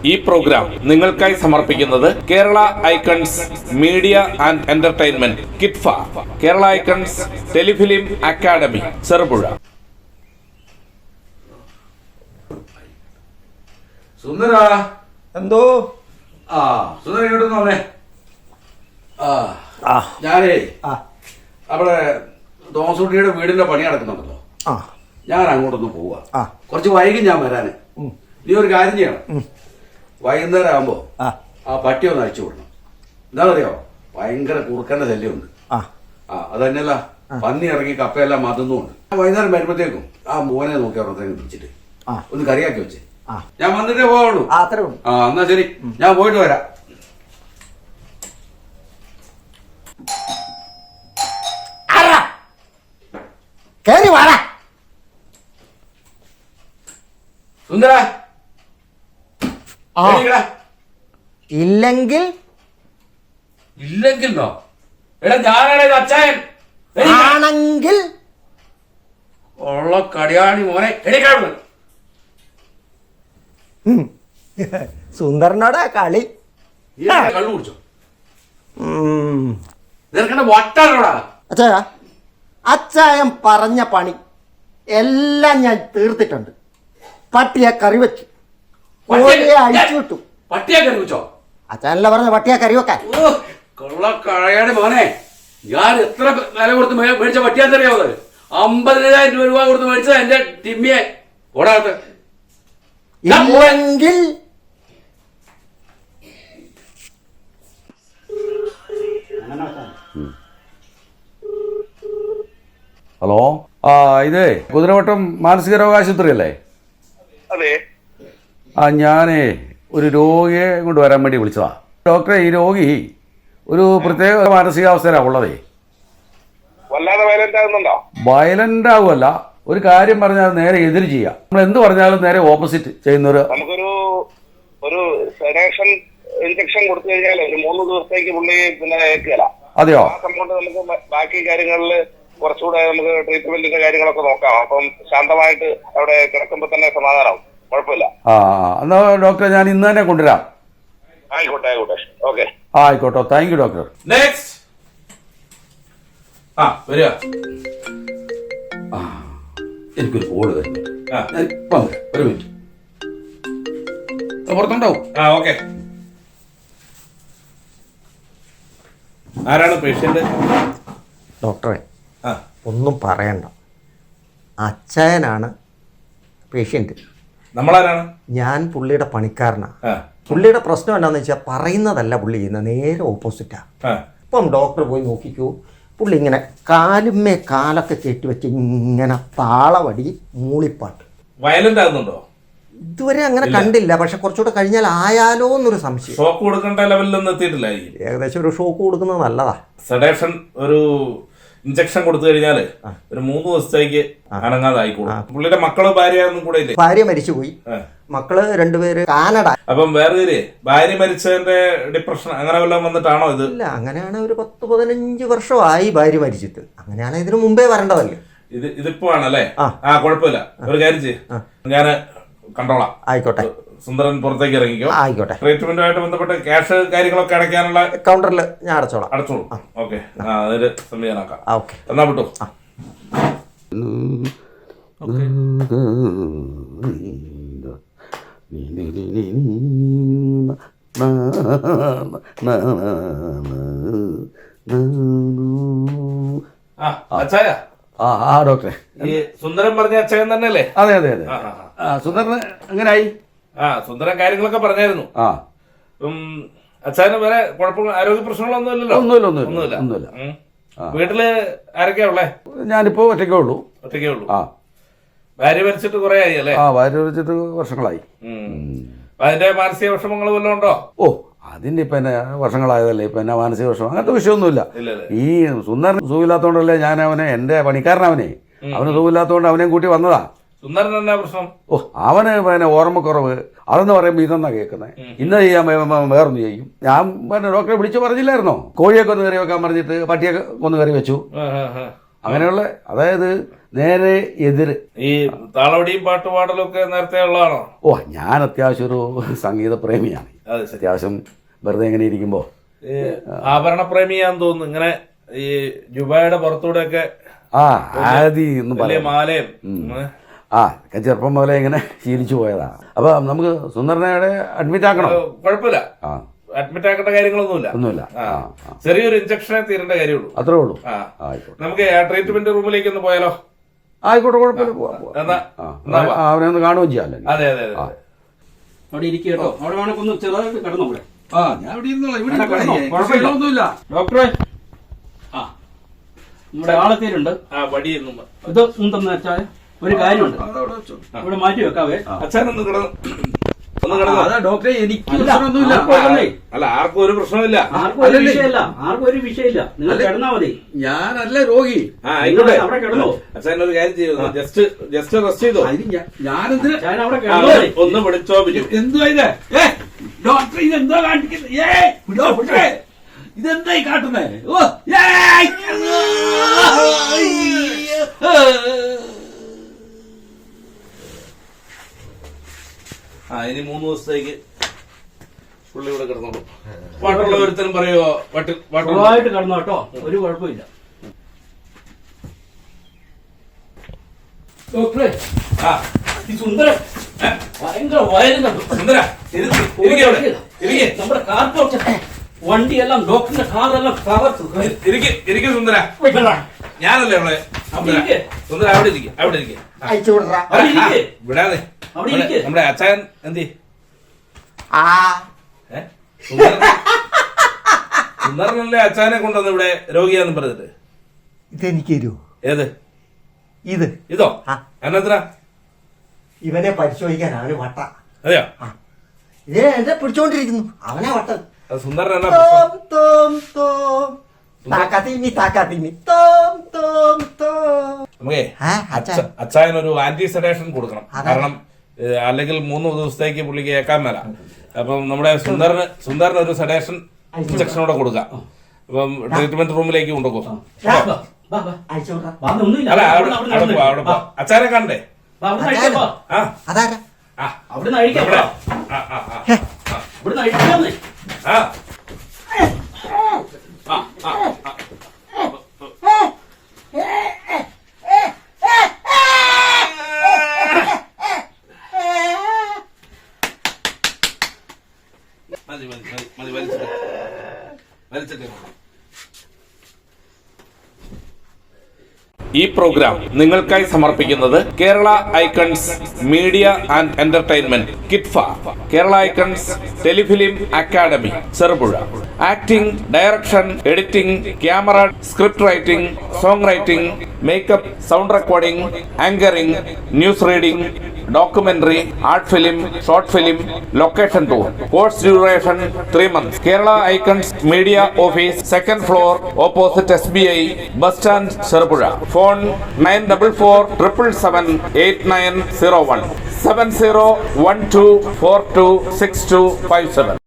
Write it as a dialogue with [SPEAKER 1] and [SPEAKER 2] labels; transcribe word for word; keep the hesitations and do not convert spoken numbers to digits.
[SPEAKER 1] ഈ പ്രോഗ്രാം നിങ്ങൾക്കായി സമർപ്പിക്കുന്നത് Kerala icons media and entertainment കിറ്റ്ഫ, Kerala icons telefilm academy, Cherupuzha.
[SPEAKER 2] സുന്ദര
[SPEAKER 3] എന്തോ
[SPEAKER 2] ആ സുന്ദര ഇങ്ങോട്ടൊന്നേ. ആ ഞാനേ അവിടെ തോമസുട്ടിയുടെ വീടിന്റെ പണി നടക്കുന്നുണ്ടല്ലോ, ഞാൻ അങ്ങോട്ടൊന്ന് പോവാ. കുറച്ച് വൈകി ഞാൻ വരാന്. നീ ഒരു കാര്യം ചെയ്യണം, വൈകുന്നേരം ആകുമ്പോ ആ പട്ടി ഒന്ന് അഴിച്ചു വിടണം. എന്താണെന്നറിയോ, ഭയങ്കര കുറുക്കന്റെ ശല്യമുണ്ട്. ആ അത് തന്നെയല്ല, പന്നി ഇറങ്ങി കപ്പയെല്ലാം മതുന്നുണ്ട്. വൈകുന്നേരം വരുമ്പോഴത്തേക്കും ആ മോനെ നോക്കി അവിടത്തേക്ക് പിടിച്ചിട്ട് ഒന്ന് കറിയാക്കി വെച്ചേ. ഞാൻ വന്നിട്ടേ പോവുള്ളൂ. ആ എന്നാ ശരി, ഞാൻ പോയിട്ട് വരാം. സുന്ദര
[SPEAKER 3] ഇല്ലെങ്കിൽ
[SPEAKER 2] ഇല്ലെങ്കിൽ എടാ ഞാനാണ് അച്ചായൻ
[SPEAKER 3] ആണെങ്കിൽ
[SPEAKER 2] ഉള്ള കടിയാണി മോനെ എടിക്കാണ്.
[SPEAKER 3] സുന്ദരനോടാ കളി.
[SPEAKER 2] കള്ളു കുടിച്ചോ? നിനക്കെന്നെ വട്ടാണോടാ?
[SPEAKER 3] അച്ഛാ, അച്ചായൻ പറഞ്ഞ പണി എല്ലാം ഞാൻ തീർത്തിട്ടുണ്ട്. പട്ടിയെ കറി വെച്ചു, കോഴിയെ അഴിച്ചു വിട്ടു.
[SPEAKER 2] പട്ടിയെ കറി വെച്ചോ?
[SPEAKER 3] അച്ഛനല്ല പറഞ്ഞ പട്ടിയെ കറി വെക്കാൻ.
[SPEAKER 2] കൊള്ള കഴയാടി മോനെ, ഞാൻ എത്ര വില കൊടുത്ത് മേടിച്ച പട്ടിയാന്നറിയാവോ? അമ്പതിനായിരം രൂപ കൊടുത്ത് മേടിച്ചത് എന്റെ ടിമ്മിയെ. ഓടാത്ത
[SPEAKER 3] ഇല്ലെങ്കിൽ
[SPEAKER 2] ഹലോ, ആ ഇത് കുതിരവട്ടം മാനസിക രോഗാശുപത്രി അല്ലേ?
[SPEAKER 4] അതെ.
[SPEAKER 2] ആ ഞാനേ ഒരു രോഗിയെ കൊണ്ട് വരാൻ വേണ്ടി വിളിച്ചതാ. ഡോക്ടറെ, ഈ രോഗി ഒരു പ്രത്യേക മാനസികാവസ്ഥയിലാണ് ഉള്ളതേ.
[SPEAKER 4] വല്ലാതെ വയലന്റ് ആകുന്നുണ്ടോ?
[SPEAKER 2] വയലന്റ് ആവുമല്ല, ഒരു കാര്യം പറഞ്ഞാൽ നേരെ എതിര് ചെയ്യാം. നമ്മൾ എന്ത് പറഞ്ഞാലും നേരെ ഓപ്പോസിറ്റ് ചെയ്യുന്നൊരു.
[SPEAKER 4] നമുക്കൊരു ഒരു സെഡേഷൻ ഇഞ്ചക്ഷൻ കൊടുത്തു കഴിഞ്ഞാൽ ഒരു മൂന്ന് ദിവസത്തേക്ക് പുള്ളി പിന്നെ ഏൽക്കുകയില്ല.
[SPEAKER 2] അതെയോ?
[SPEAKER 4] ആ സംഭവം നമുക്ക് ബാക്കി കാര്യങ്ങളിൽ കുറച്ചുകൂടെ നമുക്ക് ട്രീറ്റ്മെന്റിന്റെ കാര്യങ്ങളൊക്കെ നോക്കാം. അപ്പം ശാന്തമായിട്ട് അവിടെ കിടക്കുമ്പോൾ തന്നെ സമാധാനമാവും. കുഴപ്പമില്ല.
[SPEAKER 2] ആ എന്നാ ഡോക്ടറെ, ഞാൻ ഇന്ന് തന്നെ കൊണ്ടുവരാം.
[SPEAKER 4] ആയിക്കോട്ടെ ആയിക്കോട്ടെ ഓക്കെ.
[SPEAKER 2] ആ ആയിക്കോട്ടെ, താങ്ക് യു ഡോക്ടർ.
[SPEAKER 1] നെക്സ്റ്റ്. ആ വരിക.
[SPEAKER 2] ആ എനിക്കൊരു കോള് വരുന്നു. ഇപ്പം ഒരു മിനിറ്റ് പുറത്തുണ്ടാവും.
[SPEAKER 1] ആ ഓക്കെ. ആരാണ് പേഷ്യന്റ്?
[SPEAKER 3] ഡോക്ടറെ, ഒന്നും പറയണ്ട, അച്ചായനാണ് പേഷ്യന്റ്.
[SPEAKER 1] നമ്മളാരാണ്?
[SPEAKER 3] ഞാൻ പുള്ളിയുടെ പണിക്കാരനാ. പുള്ളിയുടെ പ്രശ്നം എന്താണെന്ന് വെച്ചാൽ പറയുന്നതല്ല പുള്ളി ചെയ്യുന്നത്, നേരെ ഓപ്പോസിറ്റാ. ഇപ്പം ഡോക്ടർ പോയി നോക്കിക്കൂ, പുള്ളി ഇങ്ങനെ കാലുമ്മേ കാലൊക്കെ കെട്ടിവെച്ച് ഇങ്ങനെ താളവടി മൂളിപ്പാട്ട്.
[SPEAKER 1] വയലന്റ് ആകുന്നുണ്ടോ?
[SPEAKER 3] ഇതുവരെ അങ്ങനെ കണ്ടില്ല, പക്ഷെ കുറച്ചുകൂടെ കഴിഞ്ഞാൽ ആയാലോ എന്നൊരു സംശയം.
[SPEAKER 1] ഷോക്ക് കൊടുക്കേണ്ട ലെവലിലൊന്നും എത്തിയിട്ടില്ലായിരിക്കും.
[SPEAKER 3] ഏകദേശം ഒരു ഷോക്ക് കൊടുക്കുന്നത് നല്ലതാ.
[SPEAKER 1] സെഡേഷൻ ഒരു ഇഞ്ചക്ഷൻ കൊടുത്തു കഴിഞ്ഞാല് ഒരു മൂന്ന് ദിവസത്തേക്ക് അനങ്ങാതായിക്കോളും. പുള്ളിയുടെ മക്കള് ഭാര്യ ഒന്നും കൂടെ ഇല്ലേ?
[SPEAKER 3] ഭാര്യ മരിച്ചുപോയി, മക്കള് രണ്ടുപേര് കാനഡ.
[SPEAKER 1] അപ്പം വേറെ ഭാര്യ മരിച്ചതിന്റെ ഡിപ്രഷൻ അങ്ങനെ വല്ലതും വന്നിട്ടാണോ ഇത്?
[SPEAKER 3] ഇല്ല, അങ്ങനെയാണ്. ഒരു പത്ത് പതിനഞ്ച് വർഷമായി ഭാര്യ മരിച്ചിട്ട്. അങ്ങനെയാണ് ഇതിനു മുമ്പേ വരേണ്ടതല്ലേ.
[SPEAKER 1] ഇത് ഇതിപ്പോ ആണല്ലേ? ആ കുഴപ്പമില്ല, ഒരു കാര്യം ചെയ്യ്, ഞാന് കണ്ടോളാം.
[SPEAKER 3] ആയിക്കോട്ടെ.
[SPEAKER 1] സുന്ദരൻ പുറത്തേക്ക് ഇറങ്ങിക്കോ.
[SPEAKER 3] ആയിക്കോട്ടെ.
[SPEAKER 1] ട്രീറ്റ്മെന്റുമായിട്ട് ബന്ധപ്പെട്ട് ക്യാഷ് കാര്യങ്ങളൊക്കെ അടയ്ക്കാനുള്ള
[SPEAKER 3] കൗണ്ടറിൽ ഞാൻ അടച്ചോളാം.
[SPEAKER 1] അടച്ചോളൂ. ഓക്കെ, അതിന് സംവിധാനാക്കാം.
[SPEAKER 3] ഓക്കെ,
[SPEAKER 1] എന്നാ വിട്ടു.
[SPEAKER 2] ആ ആ ഡോക്ടറെ,
[SPEAKER 1] ഈ സുന്ദരൻ പറഞ്ഞ അച്ഛൻ തന്നെയല്ലേ?
[SPEAKER 2] അതെ അതെ അതെ. സുന്ദരന് എങ്ങനായി?
[SPEAKER 1] ആ സുന്ദരൻ കാര്യങ്ങളൊക്കെ പറഞ്ഞായിരുന്നു.
[SPEAKER 2] ആ
[SPEAKER 1] അച്ഛന് വേറെ കുഴപ്പങ്ങൾ ആരോഗ്യ പ്രശ്നങ്ങളൊന്നും ഇല്ലല്ലോ?
[SPEAKER 2] ഒന്നുമില്ല ഒന്നുമില്ല ഒന്നുമില്ല.
[SPEAKER 1] വീട്ടില് ആരൊക്കെയാ ഉള്ളേ?
[SPEAKER 2] ഞാനിപ്പോ ഒറ്റയ്ക്കേ ഉള്ളൂ.
[SPEAKER 1] ഒറ്റയ്ക്കേ ഉള്ളൂ.
[SPEAKER 2] ആ
[SPEAKER 1] ഭാര്യ മരിച്ചിട്ട് കുറെ ആയി അല്ലേ?
[SPEAKER 2] ആ ഭാര്യ മരിച്ചിട്ട് വർഷങ്ങളായി.
[SPEAKER 1] അതിന്റെ മാനസിക വിഷമങ്ങൾ വല്ലതും ഉണ്ടോ?
[SPEAKER 2] ഓ അതിന്റെ ഇപ്പൊ എന്നെ വർഷങ്ങളായതല്ലേ, ഇപ്പൊ എന്നെ മാനസിക വിഷമം അങ്ങനത്തെ വിഷയമൊന്നുമില്ല. ഈ സുന്ദരൻ സുഖമില്ലാത്തോണ്ടല്ലേ ഞാൻ അവനെ, എന്റെ പണിക്കാരനവനെ, അവന് സുഖമില്ലാത്തോണ്ട് അവനെയും കൂട്ടി വന്നതാ.
[SPEAKER 1] സുന്ദരൻ എന്നാ പ്രശ്നം?
[SPEAKER 2] ഓ അവന് പിന്നെ ഓർമ്മക്കുറവ്, അതെന്ന് പറയുമ്പോൾ ഇതെന്നാ കേൾക്കുന്നത്. ഇന്ന് ചെയ്യാൻ വേറൊന്ന് ചെയ്യും. ഞാൻ പിന്നെ ഡോക്ടറെ വിളിച്ചു പറഞ്ഞില്ലായിരുന്നോ, കോഴിയൊക്കെ ഒന്ന് കറി വെക്കാൻ പറഞ്ഞിട്ട് പട്ടിയൊക്കെ ഒന്ന് കറി വെച്ചു. അങ്ങനെയുള്ള അതായത് നേരെ എതിര്.
[SPEAKER 1] ഈ താളവടിയും പാട്ടുപാടലും ഒക്കെ നേരത്തെ ഉള്ളതാണോ?
[SPEAKER 2] ഓ ഞാൻ അത്യാവശ്യം ഒരു സംഗീത പ്രേമിയാണ്.
[SPEAKER 1] അത് ശരി.
[SPEAKER 2] അത്യാവശ്യം വെറുതെ എങ്ങനെ ഇരിക്കുമ്പോ
[SPEAKER 1] ഈ ആഭരണ പ്രേമിയാന്ന് തോന്നുന്നു. ഇങ്ങനെ ഈ ജുബായുടെ പുറത്തൂടെ ഒക്കെ
[SPEAKER 2] ആ ആദി എന്ന്
[SPEAKER 1] വലിയ
[SPEAKER 2] പറയാം.
[SPEAKER 1] മാലയും
[SPEAKER 2] ആ ഒക്കെ ചെറുപ്പം പോലെ ഇങ്ങനെ ശീലിച്ചു പോയതാണ്. അപ്പൊ നമുക്ക് സുന്ദരനയുടെ അഡ്മിറ്റ് ആക്കണം.
[SPEAKER 1] കുഴപ്പമില്ല,
[SPEAKER 2] ആ
[SPEAKER 1] അഡ്മിറ്റ് ആക്കേണ്ട കാര്യങ്ങളൊന്നുമില്ല.
[SPEAKER 2] ഒന്നുമില്ല.
[SPEAKER 1] ആ, ചെറിയൊരു ഇഞ്ചക്ഷനെ തീരേണ്ട കാര്യമുള്ളൂ.
[SPEAKER 2] അത്രേ ഉള്ളൂ.
[SPEAKER 1] ആ,
[SPEAKER 2] ആയിക്കോട്ടെ
[SPEAKER 1] നമുക്ക് ട്രീറ്റ്മെന്റ് റൂമിലേക്ക് ഒന്ന് പോയാലോ?
[SPEAKER 2] ആയിക്കോട്ടെ കുഴപ്പമില്ല. പോവാം, പോവാം.
[SPEAKER 1] എന്നാ
[SPEAKER 2] ആ, അവനെ ഒന്ന് കാണുകയും ചെയ്യാമല്ലോ.
[SPEAKER 1] അതെ അതെ അതെ.
[SPEAKER 5] അവിടെ ഇരിക്കുക കേട്ടോ. അവിടെ വേണമെങ്കിൽ ഒന്ന് ചെറുതായിട്ട് കിടന്നു കൂടെ.
[SPEAKER 2] ആ ഞാൻ ഇവിടെ ഇരുന്നോളാം. ഇവിടെ
[SPEAKER 5] കിടന്നോ,
[SPEAKER 2] ഇരിക്കാം.
[SPEAKER 5] കുഴപ്പമില്ല.
[SPEAKER 2] ഒന്നുമില്ല.
[SPEAKER 5] ഡോക്ടറെ, ആ നമ്മുടെ ആളെത്തിയിട്ടുണ്ട്.
[SPEAKER 1] ആ വടിയൊന്നും
[SPEAKER 5] ഇത് എന്തെന്ന് വെച്ചാൽ ഒരു കാര്യമുണ്ട്, ഇവിടെ മാറ്റി വെക്കാവേ.
[SPEAKER 1] അച്ഛനൊന്ന് കിടന്നു ഒന്ന് കിടന്നു.
[SPEAKER 2] അതാ ഡോക്ടറെ എനിക്ക്
[SPEAKER 5] അല്ല,
[SPEAKER 2] പ്രശ്നമൊന്നുമില്ല.
[SPEAKER 5] ആർക്കും ഒന്നുമില്ലേ?
[SPEAKER 1] അല്ല ആർക്കും ഒരു പ്രശ്നമില്ല.
[SPEAKER 5] ആർക്കും ഒരു വിഷയമില്ല, ആർക്കും ഒരു വിഷയമില്ല. നിങ്ങൾ കിടന്നാ മതി.
[SPEAKER 2] ഞാനല്ല രോഗി.
[SPEAKER 1] ആ ആയിക്കോട്ടെ.
[SPEAKER 5] അവിടെ കിടന്നോ.
[SPEAKER 1] അച്ഛൻ ഒരു കാര്യം ചെയ്തു, ജസ്റ്റ് ജസ്റ്റ് റെസ്റ്റ് ചെയ്തോ.
[SPEAKER 2] ഞാനെന്തിനാ
[SPEAKER 5] ഞാൻ അവിടെ
[SPEAKER 1] ആ,
[SPEAKER 5] കിടന്നോ മതി.
[SPEAKER 1] ഒന്ന് വിളിച്ചോ ബിജു.
[SPEAKER 2] എന്തുവാ ഇത്? ഏ ഡോക്ടർ ഇതെന്താ കാണിക്കുന്നത്? ഏ ഡോക്ടറെ ഇതെന്തായി കാട്ടുന്നേ? ഓ ഏയ്!
[SPEAKER 1] ആ ഇനി മൂന്ന് ദിവസത്തേക്ക് പുള്ളി ഇവിടെ കിടന്നോളൂ. പാട്ടുള്ള ഒരുത്തനും പറയുമോ? പാട്ട് പാട്ടുള്ള
[SPEAKER 5] സുഖമായിട്ട് കിടന്നോ കേട്ടോ, ഒരു കുഴപ്പമില്ല. ഡോക്ടറെ,
[SPEAKER 1] ആ
[SPEAKER 5] ഈ സുന്ദരൻ ഭയങ്കര വയറുന്നുണ്ട്.
[SPEAKER 1] സുന്ദര ഇരിക്ക്, ഇരിക്ക് അവിടെ. ഇരിക്ക്.
[SPEAKER 5] നമ്മുടെ കാർ പോർച്ച് വണ്ടിയെല്ലാം ഡോക്ടറിന്റെ കാറെല്ലാം തകർത്തു.
[SPEAKER 1] ഇരിക്ക്, ഇരിക്ക് സുന്ദര. ഞാനല്ലേ ഇവിടെ
[SPEAKER 5] അവിടെ ഇരിക്ക്.
[SPEAKER 1] സുന്ദര അവിടെ ഇരിക്കും, അവിടെ ഇരിക്കും.
[SPEAKER 3] അയച്ചു വിടറാ.
[SPEAKER 5] അവിടെ ഇരിക്ക്.
[SPEAKER 1] വിടാതെ
[SPEAKER 5] അവിടെ ഇരിക്ക്.
[SPEAKER 1] നമ്മുടെ അച്ഛൻ എന്തി
[SPEAKER 3] ആ
[SPEAKER 1] സുന്ദരനല്ലേ അച്ഛനെ കൊണ്ടുവന്ന് ഇവിടെ രോഗിയാന്ന് പറഞ്ഞത്.
[SPEAKER 3] ഇതെനിക്ക് തരൂ.
[SPEAKER 1] ഏത്
[SPEAKER 3] ഇത്
[SPEAKER 1] ഇതോ?
[SPEAKER 3] ആ.
[SPEAKER 1] എന്നാ
[SPEAKER 3] ഇവനെ പരിശോധിക്കാനാണ് വട്ട.
[SPEAKER 1] അതെയോ?
[SPEAKER 3] ഇതേ എന്നെ പിടിച്ചോണ്ടിരിക്കുന്നു. അവനെ വട്ട.
[SPEAKER 1] അത് സുന്ദരൻ എന്നാ
[SPEAKER 3] തോം തോം തോം താക്കാത്തിമി താക്കാത്തിമി തോം തോം തോം.
[SPEAKER 1] നമുക്കേ
[SPEAKER 3] ആ, അച്ഛാ.
[SPEAKER 1] അച്ഛനൊരു ആന്റി സെഡേഷൻ കൊടുക്കണം.
[SPEAKER 3] അതാ.
[SPEAKER 1] കാരണം ഏഹ്, അല്ലെങ്കിൽ മൂന്ന് ദിവസത്തേക്ക് പുള്ളിക്ക് ഏക്കാൻ മേല. അപ്പം നമ്മുടെ സുന്ദരന് സുന്ദരന് ഒരു സെഡേഷൻ ഇഞ്ചക്ഷനോടെ കൊടുക്കാം. അപ്പം ട്രീറ്റ്മെന്റ് റൂമിലേക്ക് കൊണ്ടുപോകും.
[SPEAKER 5] വാ, വാ, വാ.
[SPEAKER 3] അയച്ചു വിടറാ.
[SPEAKER 5] വാ, ഒന്നുമില്ല.
[SPEAKER 1] അല്ല അവിടെ
[SPEAKER 5] അവിടുന്ന്
[SPEAKER 1] അവിടെ
[SPEAKER 5] അവിടുന്ന്
[SPEAKER 1] പോ, അവിടെ പോ.
[SPEAKER 5] വാ.
[SPEAKER 1] അച്ഛനെ കണ്ടേ?
[SPEAKER 5] വാ, അവിടുന്ന് അഴിക്കാം, വാ.
[SPEAKER 1] ആ
[SPEAKER 3] അതാരാ?
[SPEAKER 1] ആ
[SPEAKER 5] അവിടുന്ന് അഴിക്കാം,
[SPEAKER 1] ഇവിടെ.
[SPEAKER 5] വാ.
[SPEAKER 1] ആ ആ ആ
[SPEAKER 3] ഹേ,
[SPEAKER 5] ഇവിടുന്ന് അഴിക്കാന്നേ.
[SPEAKER 1] ആ ആ ആ ആ. മതി മതി മതി മതി വലിച്ചിട്ട് വലിച്ചിട്ട് ഈ പ്രോഗ്രാം നിങ്ങൾക്കായി സമർപ്പിക്കുന്നത് Kerala icons media and entertainment കിറ്റ്ഫ, Kerala icons telefilm academy Cherupuzha. Acting, direction, editing, camera, script writing, song writing, makeup, sound recording, anchoring, news reading, documentary, art film, short film, location tour. Course duration three months. Kerala Icons Media Office, second floor, opposite S B I, bus stand, Sarapura. Phone nine four four seven seven eight nine zero one seven zero one two four two six two five seven.